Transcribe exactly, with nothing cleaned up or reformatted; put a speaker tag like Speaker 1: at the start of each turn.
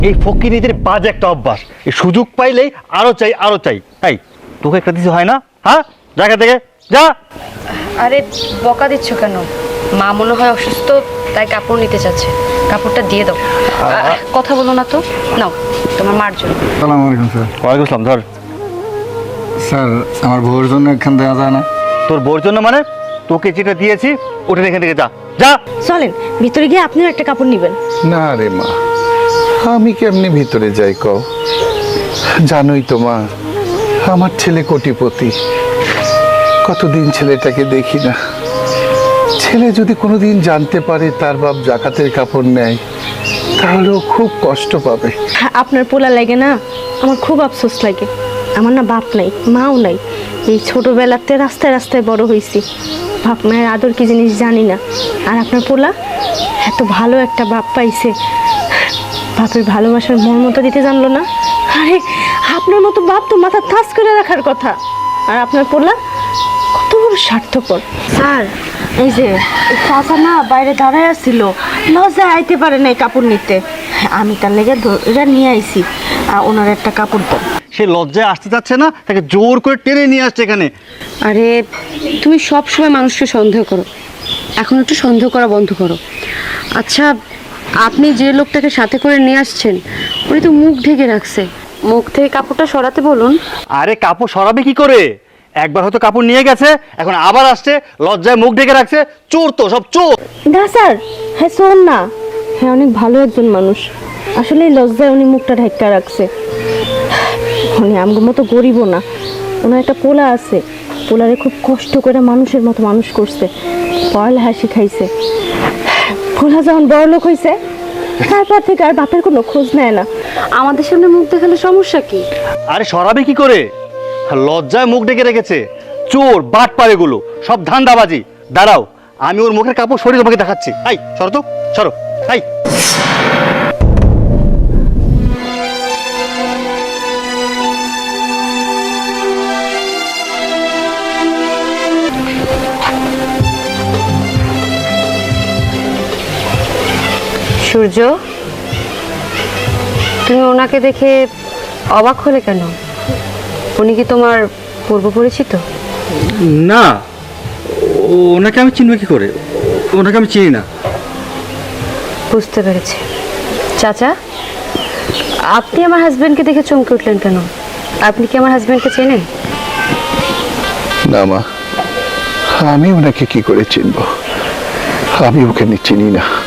Speaker 1: এই ফকিনীদের বাজে একটা অভ্যাস, এই সুযোগ পাইলেই আরো চাই আরো চাই। তাই তোকে একটা দিতে হয় না? হ্যাঁ, জায়গা থেকে যা।
Speaker 2: আরে বকা দিচ্ছ কেন? মা মনে হয় অসুস্থ, তাই কাপড় নিতে চাচ্ছে, কাপড়টা দিয়ে দাও। আহ, কথা বলো না তো, নাও তোমার মার জন্য।
Speaker 3: আসসালামু আলাইকুম স্যার।
Speaker 1: ওয়ালাইকুম আসসালাম। ধর।
Speaker 3: স্যার আমার বউয়ের জন্য এখান দেওয়া যায় না?
Speaker 1: তোর বোর জন্য মানে? তোকে যেটা দিয়েছি ওটা এখান থেকে যা যা।
Speaker 4: চলেন ভিতরে গিয়ে আপনিও একটা কাপড় নেবেন।
Speaker 5: না রে মা, আমি কেমনি ভিতরে যাই কও? জানোই তো মা, আমার ছেলে কোটিপতি, কতদিন ছেলেটাকে দেখি না। ছেলে যদি কোনোদিন জানতে পারে তার বাপ জাকাতের কাপড় নেয়, তাহলেও খুব কষ্ট পাবে।
Speaker 4: আপনার পোলা লাগে না, আমার খুব আফসোস লাগে। আমার না বাপ নাই, মাও নাই। এই ছোটবেলাতে রাস্তায় রাস্তায় বড় হয়েছি, বাপ মায়ের আদর কি জিনিস জানি না। আর আপনার পোলা এত ভালো একটা বাপ পাইছে, বাপের ভালোবাসার মর্মতা দিতে জানলো না। আরে আপনার মতো বাপ তো মাথা থাস করে রাখার কথা, আর আপনার পোলা কত বড় স্বার্থপর। স্যার এই যে চাচা না বাইরে দাঁড়ায় আসছিল, লজ্জায় আইতে পারে নাই কাপড় নিতে, আমি তার লেগে ধরে নিয়ে আইছি। আর ওনার একটা কাপড় দাও।
Speaker 1: সে লজ্জায় আসতে চাচ্ছে না, তাকে জোর করে টেনে নিয়ে আসছে এখানে।
Speaker 2: আরে তুমি সব সময় মানুষকে সন্দেহ করো, এখন একটু সন্দেহ করা বন্ধ করো। আচ্ছা, আপনি যে লোকটাকে সাথে করে নিয়ে আসছেন উনি তো মুখ ঢেকে রাখছে, মুখ থেকে কাপড়টা সরাতে বলুন।
Speaker 1: আরে কাপড় সরাবে কি করে? একবার হয়তো কাপড় নিয়ে গেছে, এখন আবার আসছে, লজ্জায় মুখ ঢেকে রাখছে। চোর তো, সব চোর।
Speaker 4: না স্যার, হ্যাঁ শোন না, হ্যাঁ অনেক ভালো একজন মানুষ। আসলে এই লজ্জায় উনি মুখটা ঢাকা রাখছে। উনি আমার মতো গরিবও না, ওনার একটা পোলা আছে, পোলারে খুব কষ্ট করে মানুষের মতো মানুষ করছে, পড়ালেখা শিখাইছে। পোলা যখন বড় লোক হয়েছে তারপর থেকে আর বাপের কোনো খোঁজ নেয় না।
Speaker 2: আমাদের সামনে মুখ দেখালে সমস্যা কি?
Speaker 1: আরে সরাবে কি করে? লজ্জায় মুখ ঢেকে রেখেছে। চোর বাট পারে গুলো সব ধান্দাবাজি। দাঁড়াও, আমি ওর মুখের কাপড় সরিয়ে তোমাকে দেখাচ্ছি। আই সরো তো, সরো। আই
Speaker 2: সূর্য, তুমি ওনাকে দেখে অবাক হলে কেন? উনি কি তোমার পূর্ব পরিচিত?
Speaker 1: না, ওনাকে আমি চিনব কি করে? ওনাকে আমি চিনি না।
Speaker 2: বুঝতে পেরেছি। চাচা, আপনি আমার হাজবেন্ডকে দেখে চমকে উঠলেন কেন? আপনি কি আমার হাজবেন্ডকে চেনেন?
Speaker 5: না মা, আমি ওনাকে কি করে চিনবো? আমি ওকে চিনি না।